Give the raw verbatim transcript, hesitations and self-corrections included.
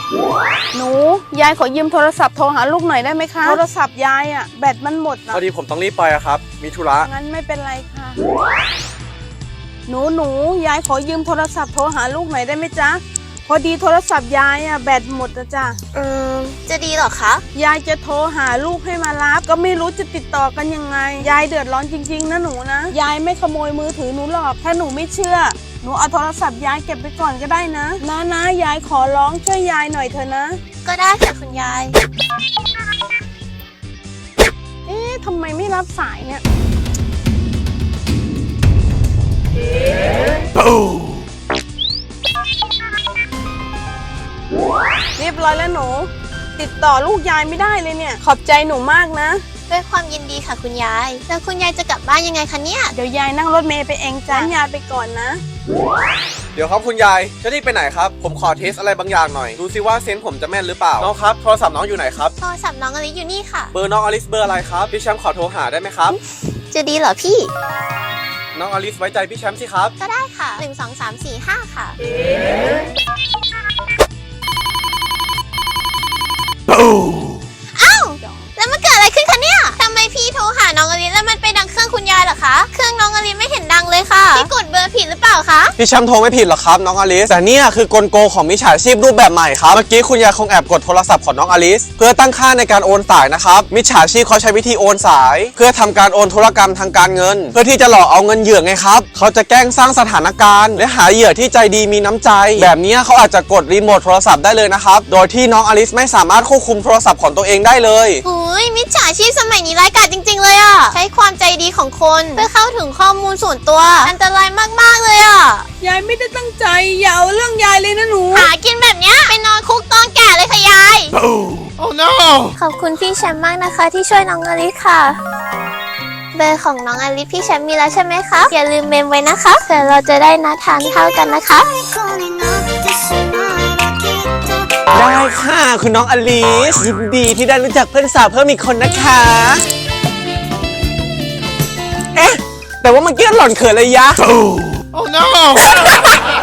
หนูยายขอยืมโทรศัพท์โทรหาลูกหน่อยได้ไหมคะโทรศัพท์ยายอะแบตมันหมดนะพอดีผมต้องรีบไปอะครับมีธุระงั้นไม่เป็นไรค่ะหนูหนูยายขอยืมโทรศัพท์โทรหาลูกหน่อยได้ไหมจ๊ะพอดีโทรศัพท์ยายอะแบตหมดนะจ๊ะเออจะดีเหรอคะยายจะโทรหาลูกให้มารับก็ไม่รู้จะติดต่อกันยังไงยายเดือดร้อนจริงๆนะหนูนะยายไม่ขโมยมือถือหนูหรอกถ้าหนูไม่เชื่อหนูเอาโทรศัพท์ยายเก็บไปก่อนก็ได้นะนะนะยายขอร้องช่วยยายหน่อยเถอะนะก็ได้ค่ะคุณยายเอ๊ะทำไมไม่รับสายเนี่ยเรียบร้อยแล้วหนูติดต่อลูกยายไม่ได้เลยเนี่ยขอบใจหนูมากนะด้วยความยินดีค่ะคุณยายแล้วคุณยายจะกลับบ้านยังไงคะเนี่ยเดี๋ยวยายนั่งรถเมล์ไปเองจ้ะยายไปก่อนนะเดี๋ยวครับคุณยายจะรีบไปไหนครับผมขอเทสอะไรบางอย่างหน่อยดูซิว่าเซนส์ผมจะแม่นหรือเปล่าน้องครับโทรศัพท์น้องอยู่ไหนครับโทรศัพท์น้องอลิซอยู่นี่ค่ะเบอร์น้องอลิซเบอร์อะไรครับพี่แชมป์ขอโทรหาได้ไหมครับจะดีเหรอพี่น้องอลิซไว้ใจพี่แชมป์สิครับก็ได้ค่ะหนึ่งสองสามสี่ห้าค่ะอ้าวแล้วมันเกิดอะไรขึ้นคะเนี่ยทำไมพี่โทรหาน้องอลิซแล้วมันไปดังเครื่องคุณยายเหรอคะเครื่องน้องอลิซไม่เห็นดังเลยค่ะพี่กดเบอร์ผิดหรือเปล่าคะพี่แชมป์โทรไม่ผิดหรอกครับน้องอลิซแต่เนี่ยคือกลโกของมิจฉาชีพรูปแบบใหม่ครับเมื่อกี้คุณยายคงแอบกดโทรศัพท์ของน้องอลิซเพื่อตั้งค่าในการโอนสายนะครับมิจฉาชีพเขาใช้วิธีโอนสายเพื่อทำการโอนธุรกรรมทางการเงินเพื่อที่จะหลอกเอาเงินเหยื่อไงครับเขาจะแกล้งสร้างสถานการณ์และหาเหยื่อที่ใจดีมีน้ำใจแบบนี้เขาอาจจะกดรีโมทโทรศัพท์ได้เลยนะครับโดยที่น้องอลิซไม่สามารถควบคุมโทรศัพท์ของตัวเองได้เลยโอ้ยมิจฉาชีพสมัยนี้ร้ายกาจจริงๆเลยอ่ะใช้ความใจดีของคนเพื่อเข้าถึงข้อมูลส่วนตัวอันตรายมากๆเลยอ่ะยายไม่ได้ตั้งใจอย่าเอาเรื่องยายเลยนะหนูหากินแบบเนี้ยไปนอนคุกตอนแก่เลยค่ะยาย Oh no ขอบคุณพี่แชมป์มากนะคะที่ช่วยน้องอลิซค่ะเบอร์ของน้องอลิซพี่แชมป์มีแล้วใช่ไหมคะอย่าลืมเมมไว้นะคะเผื่อเราจะได้นัดทานข้าวกันนะคะได้ค่ะคุณน้องอลิซยินดีที่ได้รู้จักเพื่อนสาวเพิ่มอีกคนนะคะเอ๊ะแต่ว่าเมื่อกี้หล่อนเขินเลยยะ Oh no